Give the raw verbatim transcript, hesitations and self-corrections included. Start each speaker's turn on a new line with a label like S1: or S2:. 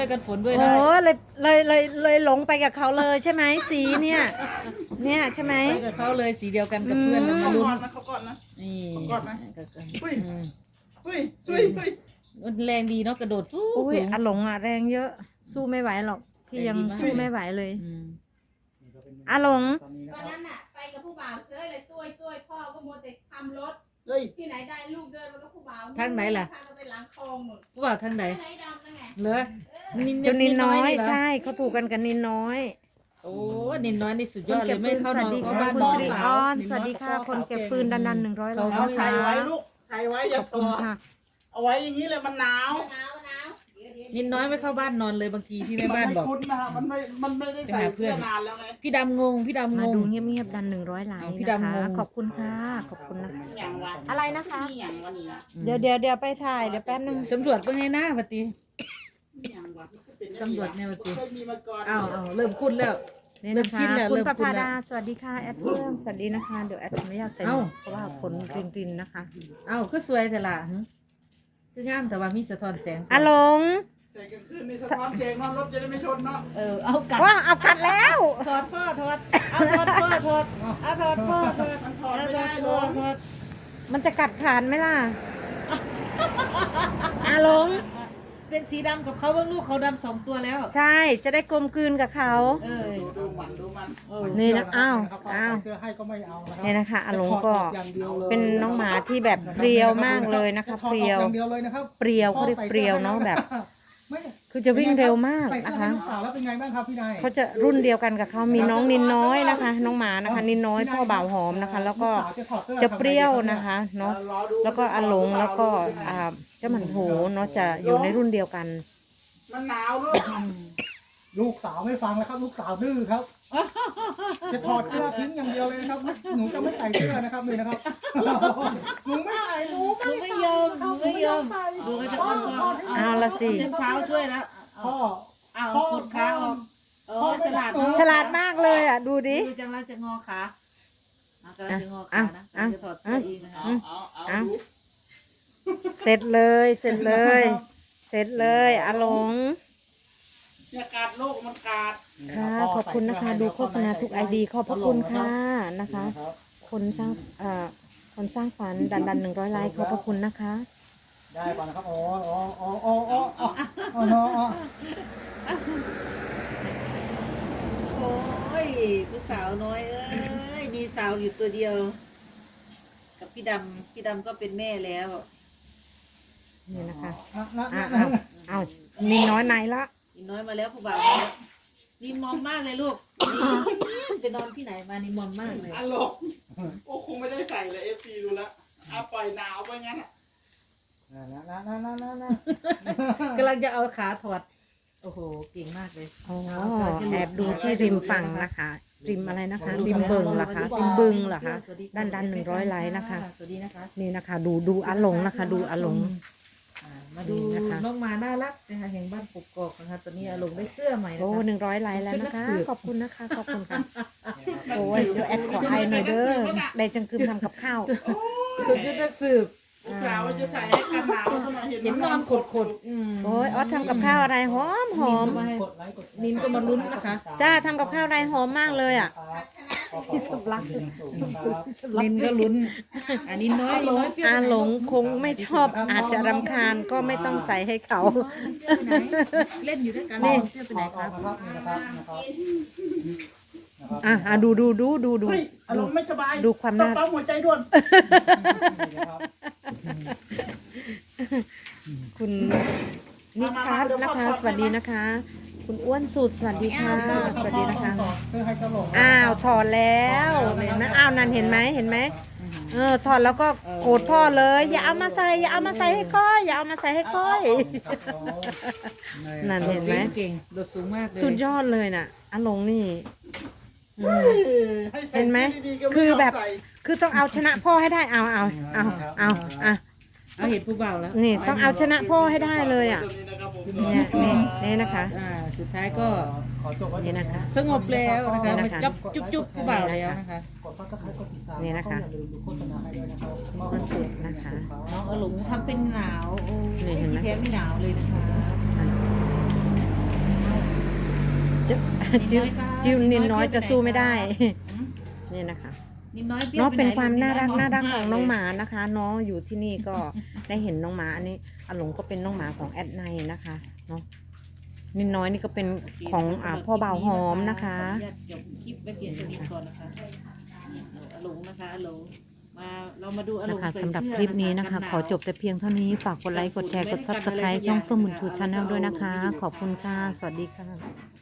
S1: กันฝนด้วย
S2: โอ้
S1: นะ
S2: เลยเลยเลยเลยหลงไปกับเขาเลยใช่ไหมสีเนี่ยเนี่ยใช่ไหม
S1: ไปกับเขาเลยสีเดียวกันกับเพื่อนเรามา
S3: เขา
S1: ลุ้
S3: ก่อน นนะเขาก่อนนะ
S1: นี่
S3: กอดไหม อุ้ย
S1: อืม
S3: เฮ้ยเฮ้ยเฮ้ย
S1: มันแรงดีเนาะกระโดดสู้
S2: อุ้ย
S1: สูง
S2: อาหลงอ่ะแรงเยอะ สู้ไม่ไหวหรอกพี่ยัง
S1: แรงดีมาก
S2: สู้ไม่ไหวเลย
S1: อืม
S2: อาหลง
S3: ตอนนี้นะ
S4: ต
S3: ค
S4: อน
S3: รับ
S4: นั้นน่ะไปกับผู้บ่าวเฉยเลยตุ้ยตุ้ยพ่อก็มัวแต่ทำรถ
S3: เฮ้ย
S4: ที่ไหนได้ลูกเดินมากับผู้บ่าว
S1: ทางไหนล่ะ
S4: พาเราไปหลังคลองหมด
S1: ผู้บ่าวทางไหน
S4: ไหนดำนั่นไง
S1: เหรอนิน
S2: เจ้านินน้อย
S1: เหร
S2: ใช่เขาถูกกันกับนินน้อย
S1: โอ้นินน้อยนี่สุดยอดเลยไม่เข้า
S2: ส
S1: น
S2: วั
S1: อ
S2: ส
S1: น
S2: ดี
S1: เข้า
S2: ค่ะ
S1: บ้าน
S2: คุณ
S1: น้อง
S2: สิริ
S1: สา
S2: อ
S1: ว
S2: อน สวัสดีค่ะ คนเก็บฟืนดันดันหนึ่งร้อยล้าน
S3: เอา
S2: นะ
S3: ใส่
S2: คะ
S3: ไว้ลูกใส่ไว้อย่า
S2: ขอบ
S3: ตั
S2: คุณ
S3: ว
S2: ค่ะ
S3: เอาไว้อย่างนี้เลยมันหนาว
S4: หนาวหนาวเดี๋ยวเดี๋ยว
S1: นินน้อยไม่เข้าบ้านนอนเลยบางทีพี่แม่บ้านบอก
S3: มัไม่คุ้นนะครับมันไม่มันไม่ได้ใส่เสื้อนานแล้วไง
S1: พี่ดำงงพี่ดำง
S2: มาง ดูเงียบๆดันหนึ่งร้อยล้าน
S1: เอาพี่
S2: นะ
S1: ดำ
S2: คะ
S1: งง
S2: ขอบคุณค่ะขอบคุณนะคะ
S3: อย่างวะ
S2: อะไรนะคะ
S3: นี่อย่างวะนี่นะ
S2: เดี๋ยวเดี๋ยวเดี๋ยวไปถ่ายเดี๋ยวแป๊บนึง
S1: สำรวจเป็นไงหน้าปฏิ
S3: นี่อย่างวะเป็น
S1: สำรวจแนวจริง
S3: เคยมีมาก่อน
S1: อ้าวอ้าวเริ่มคุ้นแล้ว
S2: นี่
S1: เริ่
S2: นะ
S1: มชิ
S2: คะ
S1: นแล้ว
S2: คุณ
S1: เริ่ม
S2: ประ
S1: คุ้น
S2: ภา
S1: แล้ว
S2: ดาสวัสดีค่ะแอดเพื่อนสวัสดีนะคะเดี๋ยวแอดขออนุญาตใส่หม
S1: เอ้า
S2: วกเพราะว่าฝนกรินๆนะคะ
S1: เอ้าก็สวยแต่ละหึคืองามแต่ว่ามีสะท้อนแสง
S2: อาหลง
S3: ใส่กันขึ้นในสะท้อนเสียงเนาะรถจะได้ไม่ชนเนาะ
S1: เออเอากัด
S2: ว่าเอากัดแล้ว
S1: ถอดพ่อถอดเอาถอดพ่อถอดเอาถอดพ่อถอด
S3: มันถอด
S1: เอา
S3: ไม่
S1: ถอ
S3: ได้
S1: ด
S3: เล
S1: พ่อย ถอด
S2: มันจะกัดขานไหมล่ะอาหลง
S1: เป็นสีดำกับเขาบ้างลูกเขาดำสองตัวแล้ว
S2: ใช่ จะได้กลมกลืนกับเขา
S1: เออ
S3: ดูดูมันดูมัน
S1: เออ
S2: นี่นะอ้าวอ้าว
S5: เสื้อให้ก็ไม่เอานะครั
S2: เนี่ยนะคะอาหลงก็
S5: อย่างเดียวเลย
S2: เป็นน้องหมาที่แบบเปรียวมากเลยนะคะ
S5: จถอ
S2: เป
S5: ดอ
S2: รี
S5: อก
S2: ยว
S5: อย่างเดียวเลยนะครับ
S2: เปรียวเขาเรียกเปรียวเนาะแบบ
S5: ไม่
S2: คือจะวิ่งเร็วมาก
S5: ใส่
S2: นะ
S5: เสื้อให้
S2: คะ
S5: ลูกสาวแล้วเป็นไงบ้างครับพี่นาย
S2: เขาจะรุ่นเดียวกันกับเขามีน้องนินน้อยนะคะ น้องหมานะคะ นินน้อยพ่อบ่าวหอมนะคะ แล้วก็
S5: ลูสาวถอดสื้อ
S2: จะเปรี้ยวนะคะเนาะ
S3: รอดู
S2: แล้วก็อาหลงแล้วก็อ่าเจ้าหมันโถเนาะจะอยู่ในรุ่นเดียวกัน
S3: มันหนาวลูก
S5: ลูกสาวไม่ฟังแล้วครับ ลูกสาวดื้อครับ จะถอดเสื้อทิ้งอย่างเดียวเลยนะครับ หนูจะไม่ใส่เสื้อนะครับเลยนะครับ หนูไม่ใส่หนู
S1: หนูไม่ยอมหนูไม่ยอมดูก็จะอ่อนพ่อ
S2: เอาละสิ
S1: เช้าเท้าช่วยแล้ว
S5: พ่อ
S1: เอากดขาออกเออฉลาดเนอะ
S2: ฉลาดมากเลยอ่ะ ดูดิ
S1: ดูจังแล้วจะงอขาอ่ะกำลังจะงอขานะ
S2: อ่ะ
S1: กำลังจะถอดเสื้อเองนะคะ
S3: เอาเอาเอาดู
S2: เสร็จเลย เสร็จเลย เสร็จเลยอาหลง
S3: เนี่ยกาดโลกมันกาด
S2: ค่ะขอบคุณนะคะ ดูโฆษณาทุกไอดีขอบพระคุณค่ะนะคะ คนสร้างเอ่อคนสร้างฝันดันดันหนึ่งร้อยไลค์ขอบพระคุณนะคะ
S5: ได้ก่อนนะครับอ๋ออ๋ออ๋ออ๋ออ๋ออ๋ออ๋ออ๋อ
S1: โอ้ยผู้สาวน้อยเอ้ยมีสาวอยู่ตัวเดียว กับพี่ดำพี่ดำก็เป็นแม่แล้ว
S2: นี่นะคะ
S5: นะนะ
S2: อ้า
S5: นะ
S2: วอ้าวนี่น้อยไหนละ
S1: อีน้อยมาแล้วผู้บ่าวมาแล้วนี่มอมมากเลยลูกนี่ไปนอนที่ไหนมานี่มอมมากเลย
S3: อันโลกโอ้คงไม่ได้ใส่เลยเอฟซีดูแล้วเอาปล่อยหนาวไปงั้นอ่ะ
S5: นะนะนะนะนะนะ
S1: กำลังจะเอาขาถอดโอ้โหเก่งมากเลย
S2: อ๋อแอบดูที่ริมฝั่งนะคะ ริมอะไรนะคะ ริมเบิงเหรอคะริมบึงเหรอคะ ด้านด้านหนึ่งร้อยไลค์นะคะ
S1: สวัสดีนะคะ
S2: นี่นะคะ ดูดูอาหลงนะคะ ดูอาหลง
S1: อ่ามาดู
S2: นี่นะคะ
S1: น้องหมาน่ารักนะคะแห่งบ้านกกอกนะคะตอนนี้อาลงได้เสื้อใหม่นะ
S2: โอ้
S1: คะ
S2: หนึ่งร้อยไลค์แล้วนะคะ
S1: ชุดนักสืบ
S2: ขอบคุณนะคะ ขอบคุณค่ะ โอ้ยเดี๋ยวแอดขอไอหน่อยเด้อได้จังคืมทำกับข้าว
S1: ตัวยุทธนักสืบ
S3: ลูกสาวจะใส่ให้กันหนาวทำไมเห็น
S1: เห็นนอนขดขดๆอืม
S2: โอ้ยออสทำกับข้าวอะไรหอมหอม
S1: มาให้
S5: กดไลค์กด
S1: นินก็มาลุ้นนะคะ
S2: จ้าทำกับข้าวอะไรหอมมากเลยอ่ะ
S5: ที่สำลักครับ
S1: นินก็ลุ้นอันนี้น้อยน้อยเปรี้ยว
S2: อาหลงคงไม่ชอบอาจจะรำคาญก็ไม่ต้องใส่ให้เขา
S1: เปรี้ยวไปไหนเล่นอยู่ด้วยกัน
S2: นี่
S1: เปรี้ยวไปไหนครับ
S5: นะครับนี่นะครับนะครับนะครับ
S2: อ่ะอ่ะดูดูดูดูดู
S3: เฮ้ยอารมณ์ไม่สบาย
S2: ดูความน่า
S3: ต้องปั๊มหัวใจด่วน
S5: นี่นะครับ
S2: คุณนิคัสนะคะ สวัสดีนะคะ คุณอ้วนสุดสวัสดีค่ะ สวัสดีนะคะ
S5: เสื้อให้กระโหลก
S2: อ้าวถอดแล้วเห็นไหมอ้าวนั่นเห็นไหมเห็นไหมเออถอดแล้วก็โกรธพ่อเลย อย่าเอามาใส่อย่าเอามาใส่ให้ก้อยอย่าเอามาใส่ให้ก้อย นั่นเห็นไหม
S1: เก่งโดดสูงมากเลย
S2: สุดยอดเลยน่ะอาหลงนี่อืม
S3: ให้ใส่
S2: เห็นไหม
S3: ดีๆก็
S2: คือแบบ
S3: ไม่ยมใส่
S2: คือต้องเอาชนะพ่อให้ได้เอาเอาเอาเอาอ่ะ
S1: เอาเห็นผู้บ่าวแล้ว
S2: นี่ต้องเอาชนะพ่อให้ได้เลยอ่ะ
S3: ตัวนี้นะครับผม
S2: เนี่ยนี่นี่นะคะ
S1: อ่าสุดท้ายก็
S5: ขอจบไว้
S2: นี่นะคะ
S1: สงบแล้วนะคะ
S2: นี่
S1: มา
S2: นะคะ
S1: จับจุ๊บจุ๊บผู้บ่าวแล้วนะคะ
S5: กดซับสไครต์กดติดตาม
S2: นี่นะคะ
S5: อย่าลืมดูโฆษณาให้ด้วยนะครับ
S2: ก็เสร็จนะคะ
S1: น้องอลุงทำเป็นหนาวโอ้
S2: นี่เห็นไหม
S1: ที่แท้ไม่หนาวเลยนะคะ
S2: จิ้ว
S1: นิดน้อยครับ
S2: จิ้วนินน้อยจะสู้ไม่ได้
S1: อืม
S2: นี่นะคะ
S1: นิดน้อยเปรี้ยว
S2: เนาะเป็น
S1: ไไห
S2: ความน่ารัก
S1: ลู
S2: น่ารัก
S1: ม
S2: ของน้องหมานะคะน้องอยู่ที่นี่ก็ ได้เห็นน้องหมาอันนี้อาหลงก็เป็นน้องหมาของแอดไนนะคะเนาะนิดน้อยนี่ก็เป็น
S1: โเค
S2: ของ
S1: สำห
S2: อ่า
S1: รับ
S2: พ่อบ่าวหอมนะคะ
S1: ขออนุญาตจบคลิปไว้เพียงเท่านี้ก่อนนะคะอาหลงนะคะอาหลงมาเรามาดูอาหล
S2: นะ
S1: ง
S2: คะ
S1: ใส่
S2: สำหรับ
S1: เสื้อ
S2: คลิปนี้นะคะ
S1: กัหาว
S2: ขอจบแต่เพียงเท่านี้ฝากกดไลค์กดแชร์กด ซับสไครบ์ ช่องเฟื่องบุญชูชาแนลด้วยนะคะ ขอบคุณค่ะ สวัสดีค่ะ